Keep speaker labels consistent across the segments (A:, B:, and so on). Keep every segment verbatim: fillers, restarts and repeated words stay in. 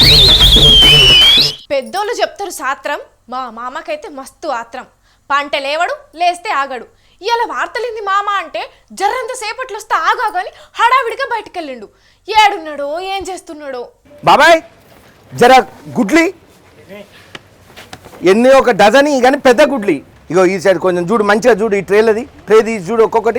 A: పెద్దోళ్ళు చెప్తారు సాత్రం, మా మామకైతే మస్తు ఆత్రం. పంట లేవడు, లేస్తే ఆగడు. ఇలా వార్తలింది మామ అంటే జర్రంత సేపట్లో వస్తే ఆగాగాని హడావిడిగా బయటకు వెళ్ళిండు. ఏడున్నాడో ఏం చేస్తున్నాడో.
B: బాబాయ్ జర గుడ్లి ఎన్ని ఒక డజన్ కానీ పెద్ద గుడ్లి. ఇగో ఈ సైడ్ కొంచెం చూడు, మంచిగా చూడు, ఈ ట్రేలది ట్రే తీసి చూడు ఒక్కొక్కటి.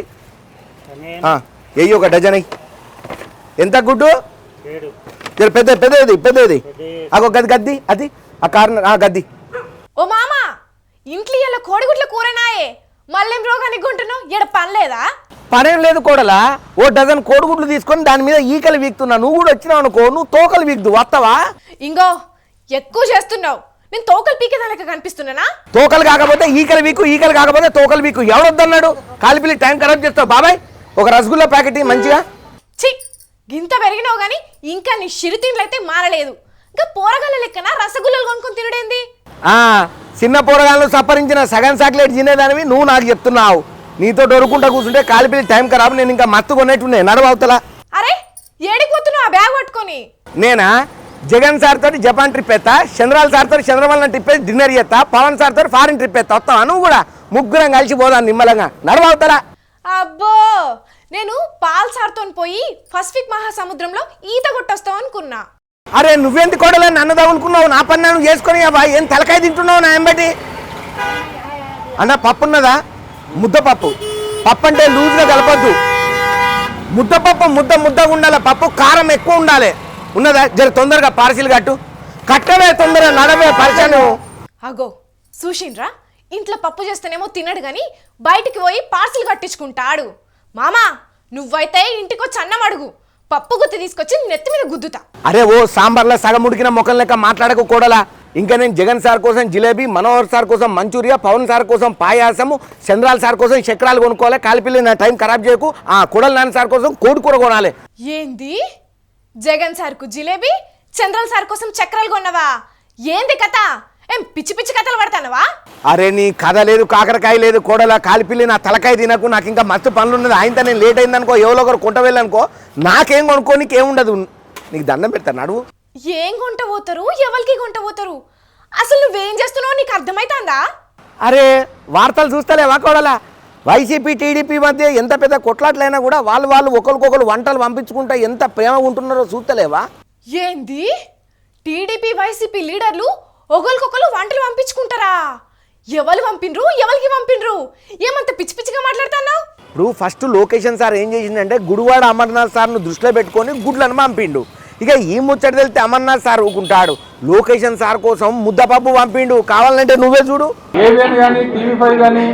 B: ఎయ్యి ఒక డజన్ అయ్యి. ఎంత గుడ్డు? జర పెద్ద పెద్దది పెద్దది. అగో గది గద్ది అది ఆ కార్నర్ గద్ది.
A: ఓ మామ, ఇంట్లో ఇలా కోడిగుడ్ల కూరనాయే, మళ్ళేం రోగానికి గుంటున్నావు? ఎడ పనిలేదా?
B: పనేం లేదు కోడలా. ఓ డజన్ కోడిగుడ్లు తీసుకొని దాని మీద ఈకలు వీక్తున్నా. నువ్వు కూడా వచ్చినావు అనుకో, నువ్వు తోకలు వీక్దు వస్తావా?
A: ఇంగో ఎక్కువ చేస్తున్నావు. నేను తోకలు పీకేదానిక కనిపిస్తున్నానా?
B: తోకలు కాకపోతే ఈకలు వీకు, ఈకలు కాకపోతే తోకలు వీకు. ఎవడొద్దన్నాడు? కాలిపిల్లి టైం ఖరాబ్ చేస్తావు. బాబాయ్ ఒక రసగుల్లా ప్యాకెట్ మంచిగా.
A: చి గింత పెరిగినావు గానీ ఇంకా నీ చిరుతిండ్లయితే మారలేదు. ఇంకా పోరగాళ్ళ లెక్కన రసగుల్లలు కొనుక్కొని తినడేంది?
B: చిన్న పోరగాళ్ళు సప్పరించిన సగం చాక్లెట్ తినేదానివి నువ్వు నాకు చెప్తున్నావు. నీతో డొరుకుంటా కూర్చుంటే కాలిపిల్లి టైం ఖరాబ్. నేను ఇంకా మత్తు కొనేట్టున్నాయి నడవవుతలా.
A: అరే ఏడిపోతున్నావు ఆ బ్యాగ్ పట్టుకొని?
B: నేనా జగన్ సార్ తోటి జపాన్ ట్రిప్ ఎత్తా, చంద్రాల సార్ తోటి చంద్రబాబు ట్రిప్ వేసి డిన్నర్ చేస్తా, పవన్ సార్ తోటి ఫారిన్ ట్రిప్ ఎత్తా. వస్తావా నువ్వు కూడా? ముగ్గురం కలిసి పోదాం నిమ్మలంగా. నడవవుతలా.
A: అబ్బో, నేను పాల్ సార్తో పోయి పసిఫిక్ మహాసముద్రంలో ఈత కొట్టొస్తావు అనుకున్నా.
B: అరే నువ్వెంత కోడలే నన్ను తగులుకున్నావు? నా పని నన్ను చేసుకొని ఏం తలకాయ తింటున్నావు నా ఎంబటి? అన్న పప్పు ఉన్నదా? ముద్దపప్పు. పప్పు అంటే లూజ్గా కలపద్దు. ముద్దపప్పు ముద్ద ముద్దగా ఉండాలి. పప్పు కారం ఎక్కువ ఉండాలి. ఉన్నదా? జర తొందరగా పార్సిల్ కట్టు. కట్టవే తొందరగా, నడవే పరిచయం.
A: అగో చూసిండ్రా, ఇంట్లో పప్పు చేస్తేనేమో తినడు గాని బయటికి పోయి పార్సిల్ కట్టించుకుంటాడు. మామా నువ్వైతే ఇంటికొచ్చి అన్నం అడుగు, పప్పు గుత్తి తీసుకొచ్చి నెత్తి మీద గుద్దుతా.
B: అరే ఓ సాంబార్లో సగం ఉడికిన మొక్కలు లెక్క మాట్లాడకు కోడలా. ఇంకా నేను జగన్ సార్ కోసం జిలేబీ, మనోహర్ సార్ కోసం మంచూరియా, పవన్ సార్ కోసం పాయాసము, చంద్రాల సార్ కోసం చక్రాలు కొనుక్కోవాలి. కాలిపిల్లి నా టైం ఖరాబ్ చేయకు. ఆ కొడల నాన్న సార్ కోసం కోడి కూర కొనాలి.
A: ఏంది? జగన్ సార్కు జిలేబీ, చంద్రాల సార్ కోసం చక్రాలు కొన్నవా? ఏంది కథ? ఏం పిచ్చి పిచ్చి కథలు పడతానవా?
B: అరే నీ కథ లేదు, కాకరకాయ లేదు కోడలా. కాలిపిల్లి నా తలకాయ తినకు. నాకు ఇంకా మస్తు పనులు ఉన్నది. ఆయనతో నేను లేట్ అయిందనుకో, ఎవరో ఒకరు కొంట వెళ్ళనుకో, నాకేం కొనుక్కో, నీకేముండదు. నీకు దండం పెడతాను నడువు.
A: ఏం కొంట పోతారు? ఎవరికి కొంట పోతారు? అసలు నువ్వేం చేస్తున్నావు నీకు అర్థమైతుందా?
B: అరే వార్తలు చూస్తలేవా కోడలా? వైసీపీ టీడీపీ మధ్య ఎంత పెద్ద కొట్లాట్లైనా కూడా వాళ్ళు వాళ్ళు ఒకరికొకరు వంటలు పంపించుకుంటా ఎంత ప్రేమ ఉంటున్నారో చూస్తలేవా?
A: ఏంది? టీడీపీ వైసీపీ లీడర్లు ఒకరికొకరు వంటలు పంపించుకుంటారా? ఎవరు పంపిండ్రు? ఎవరికి పంపిండ్రు? ఏమంత పిచ్చి పిచ్చిగా మాట్లాడుతున్నావు?
B: ఇప్పుడు ఫస్ట్ లొకేషన్ సార్ ఏం చేసిందంటే గుడివాడ అమర్నాథ్ సార్ను దృష్టిలో పెట్టుకొని గుడ్లను పంపిండు. ఇక ఈ ముచ్చట తెలితే అమర్నాథ్ సార్ ఊకుంటాడు. లొకేషన్ సార్ కోసం ముద్దపప్పు పంపిండు. కావాలంటే నువ్వే చూడు.
C: ఏబిఎన్ కానీ టీవీ ఫైవ్ కానీ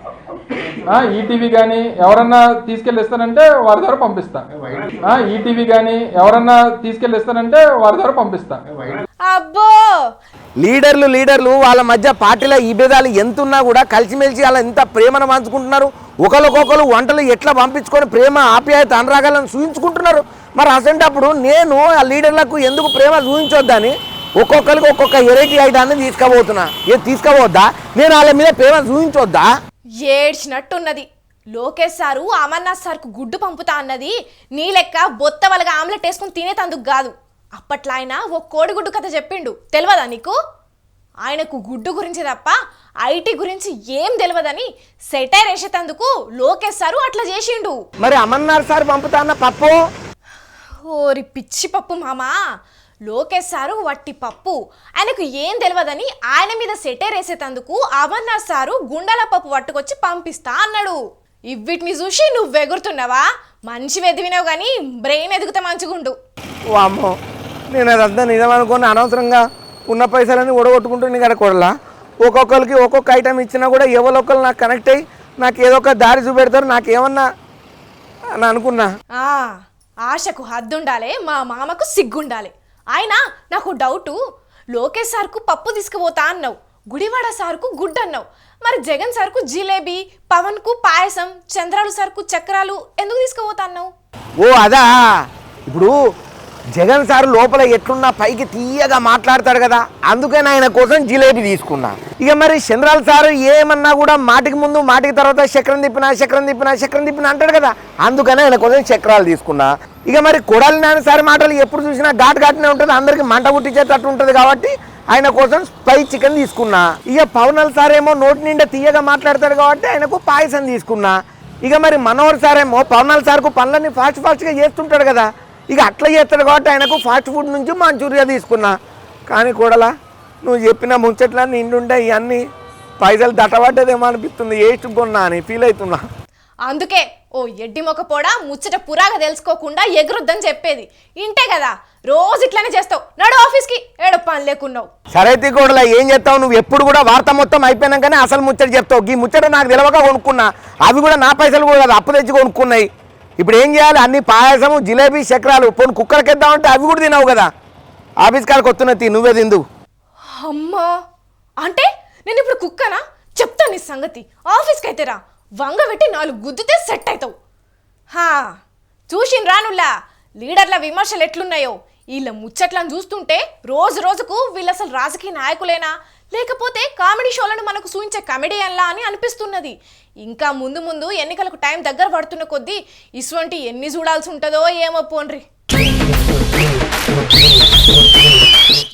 C: ఈటీవీ కానీ ఎవరన్నా తీసుకెళ్ళిస్తానంటే వారి ద్వారా పంపిస్తా. ఈటీవీ కానీ ఎవరన్నా తీసుకెళ్ళిస్తానంటే వారి ద్వారా పంపిస్తా.
A: అబ్బో,
B: లీడర్లు లీడర్లు వాళ్ళ మధ్య పార్టీల ఈ భేదాలు ఎంతున్నా కూడా కలిసిమెలిసి అలా ఎంత ప్రేమను పంచుకుంటున్నారు. ఒకరికొకరు వంటలు ఎట్లా పంపించుకొని ప్రేమ ఆప్యాయత అనురాగాలను చూపించుకుంటున్నారు. మరి అసంటప్పుడు నేను ఆ లీడర్లకు ఎందుకు ప్రేమ చూపించొద్దని ఒక్కొక్కరికి ఒక్కొక్క వెరైటీ ఐటాన్ని తీసుకుపోతున్నా. ఏ తీసుకుపోద్దా? నేను వాళ్ళ మీద ప్రేమ చూపించొద్దా?
A: ఏడ్చినట్టున్నది. లోకేష్ సారు అమర్నాథ్ సార్కు గుడ్డు పంపుతా అన్నది నీ లెక్క బొత్త వాళ్ళగా ఆమ్లెట్ వేసుకుని తినేతందుకు కాదు. అప్పట్లో ఆయన ఓ కోడిగుడ్డు కథ చెప్పిండు, తెలియదా నీకు? ఆయనకు గుడ్డు గురించి తప్ప ఐటీ గురించి ఏం తెలియదని సెటైర్ వేసేటందుకు లోకేష్ సారు అట్లా చేసిండు.
B: మరి అమర్నాథ్ సార్ పంపుతా అన్న పప్పు?
A: ఓరి పిచ్చి పప్పు మామా, లోకేష్ సారు వట్టి పప్పు. ఆయనకు ఏం తెలియదని ఆయన మీద సెటైర్ వేసేటందుకు అమర్నాథ్ సారు గుండాల పప్పు పట్టుకొచ్చి పంపిస్తా అన్నాడు. ఇవిటిని చూసి నువ్వు ఎగురుతున్నావా? మంచి ఎదివినావు కానీ బ్రెయిన్ ఎదుగుతా మంచిగుండు.
B: వామ్మో, నేను అదంతా నిజం అనుకుని అనవసరంగా ఉన్న పైసలని ఒడగొట్టుకుంటుంది కదా కొడలా. ఒక్కొక్కరికి ఒక్కొక్క ఐటెం ఇచ్చినా కూడా ఎవరొక్కరు నాకు కనెక్ట్ అయ్యి నాకు ఏదో ఒక దారి చూపెడతారు. నాకేమన్నా అని అనుకున్నా.
A: ఆశకు హద్దుండాలి, మా మామకు సిగ్గుండాలి. ఆయన నాకు డౌటు, లోకేష్ సార్కు పప్పు తీసుకుపోతా అన్నావు, గుడివాడ సార్కు గుడ్డు అన్నావు, మరి జగన్ సార్కు జిలేబీ, పవన్కు పాయసం, చంద్రాలు సార్కు చక్రాలు ఎందుకు తీసుకుపోతా అన్నావు?
B: ఓ అదా, ఇప్పుడు జగన్ సార్ లోపల ఎట్లున్నా పైకి తీయగా మాట్లాడతాడు కదా, అందుకని ఆయన కోసం జిలేబీ తీసుకున్నా. ఇక మరి చంద్రాల సార్ ఏమన్నా కూడా మాటికి ముందు మాటికి తర్వాత చక్రం తిప్పినా చక్రం తిప్పినా చక్రం తిప్పినా అంటాడు కదా, అందుకని ఆయన కోసం చక్రాలు తీసుకున్నా. ఇక మరి కొడాలి నాని సార్ మాటలు ఎప్పుడు చూసినా ఘాటు ఘాటునే ఉంటుంది, అందరికి మంట పుట్టించేటట్టు ఉంటుంది కాబట్టి ఆయన కోసం స్పై చికెన్ తీసుకున్నా. ఇక పవనల్ సార్ ఏమో నోటి నిండా తీయగా మాట్లాడతాడు కాబట్టి ఆయనకు పాయసం తీసుకున్నా. ఇక మరి మనోహర్ సార్ ఏమో పవనల్ సార్కు పనులన్నీ ఫాస్ట్ ఫాస్ట్గా చేస్తుంటాడు కదా, ఇక అట్లా చేస్తాడు కాబట్టి ఆయనకు ఫాస్ట్ ఫుడ్ నుంచి మంచూరియా తీసుకున్నా. కానీ కూడలా నువ్వు చెప్పిన ముచ్చట్లా నిండుండే ఇవన్నీ పైసలు దట్టబడ్డదేమో అనిపిస్తుంది, వేసుకున్నా అని ఫీల్ అవుతున్నా.
A: అందుకే ఓ ఎడ్డి మొక్క పోడా ముచ్చట పురాగా తెలుసుకోకుండా ఎగురుద్దని చెప్పేది. ఇంటే కదా రోజు ఇట్లానే చేస్తావు, నడు ఆఫీస్కి ఏడో పని లేకున్నావు.
B: సరైతే కూడలా ఏం చేస్తావు, నువ్వు ఎప్పుడు కూడా వార్త మొత్తం అయిపోయినాకనే అసలు ముచ్చట చెప్తావు. ఈ ముచ్చట నాకు తెలియక కొనుక్కున్నా, అవి కూడా నా పైసలు కూడా కాదు, అప్పు తెచ్చి కొనుక్కున్నాయి. ఇప్పుడు ఏం చేయాలి, అన్ని పాయసము జిలేబీ చక్రాలు పోను కుక్కలకిద్దామంటే అవి కూడా తినవు కదా, ఆఫీస్ కాడికి వస్తున్నది నువ్వే తిందు.
A: అమ్మా అంటే నేను ఇప్పుడు కుక్కనా? చెప్తాను నీ సంగతి. ఆఫీస్కి అయితే రా, వంగ పెట్టి నాలుగు గుద్దితే సెట్ అవుతావు. హా చూసిన రానుల్లా లీడర్ల విమర్శలు ఎట్లున్నాయో, వీళ్ళ ముచ్చట్లను చూస్తుంటే రోజు రోజుకు వీళ్ళు అసలు రాజకీయ నాయకులేనా లేకపోతే కామెడీ షోలను మనకు చూపించే కమెడియన్లా అని అనిపిస్తున్నది. ఇంకా ముందు ముందు ఎన్నికలకు టైం దగ్గర పడుతున్న కొద్దీ ఇటువంటి ఎన్ని చూడాల్సి ఉంటుందో ఏమో పోన్రి.